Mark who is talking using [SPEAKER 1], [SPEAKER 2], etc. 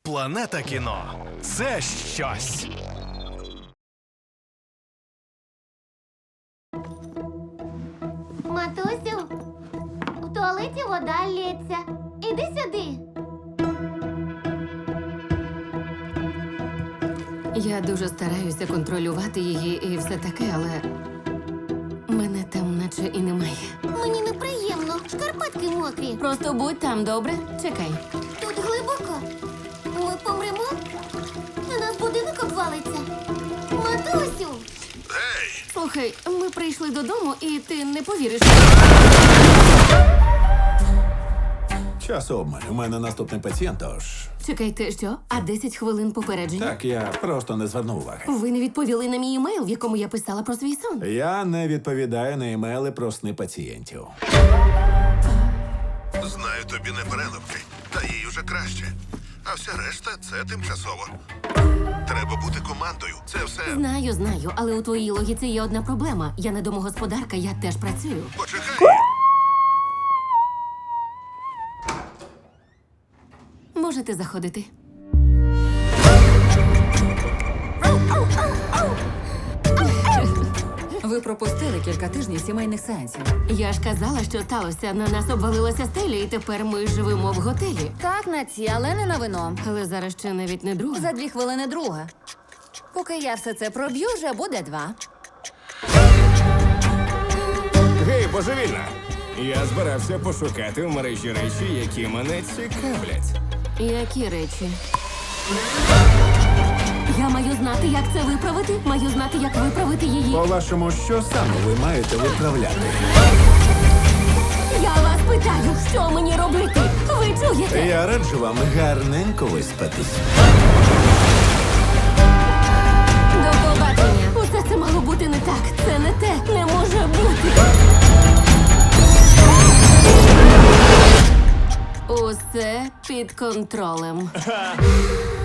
[SPEAKER 1] Планета кіно – це щось.
[SPEAKER 2] Матусю, в туалеті вода лється. Іди сюди.
[SPEAKER 3] Я дуже стараюся контролювати її і все таке, але мене там наче і немає.
[SPEAKER 2] Мені неприємно. Шкарпетки мокрі.
[SPEAKER 3] Просто будь там, добре? Чекай.
[SPEAKER 2] Тут глибоко. Ми помремо? На нас будинок обвалиться. Матусю!
[SPEAKER 3] Слухай, ми прийшли додому, і ти не повіриш.
[SPEAKER 4] Час обмаль. У мене наступний пацієнт, тож...
[SPEAKER 3] Чекайте, що? А 10 хвилин попередження?
[SPEAKER 4] Так, я просто не звернув уваги.
[SPEAKER 3] Ви не відповіли на мій емейл, в якому я писала про свій сон.
[SPEAKER 4] Я не відповідаю на імейли про сни пацієнтів.
[SPEAKER 5] Знаю, тобі не переливки, та їй уже краще. А вся решта – це тимчасово. Треба бути командою. Це все...
[SPEAKER 3] Знаю, але у твоїй логіці є одна проблема. Я не домогосподарка, я теж працюю.
[SPEAKER 5] Почекай!
[SPEAKER 3] Можете заходити.
[SPEAKER 6] Ви пропустили кілька тижнів сімейних сеансів.
[SPEAKER 3] Я ж казала, що сталося. На нас обвалилася стеля, і тепер ми живемо в готелі.
[SPEAKER 6] Так, на ці, але не на вино.
[SPEAKER 3] Але зараз ще навіть не друга.
[SPEAKER 6] За 2 хвилини друга. Поки я все це проб'ю, вже буде 2.
[SPEAKER 7] Гей, божевільна! Я збирався пошукати в мережі речі, які мене цікавлять.
[SPEAKER 3] Які речі? Я маю знати, як це виправити. Маю знати, як виправити її.
[SPEAKER 4] По-вашому, що саме ви маєте виправляти?
[SPEAKER 3] Я вас питаю, що мені робити? Ви чуєте?
[SPEAKER 4] Я раджу вам гарненько виспатись.
[SPEAKER 3] До побачення. Усе це мало бути не так. Це не те. Не може бути. Усе під контролем.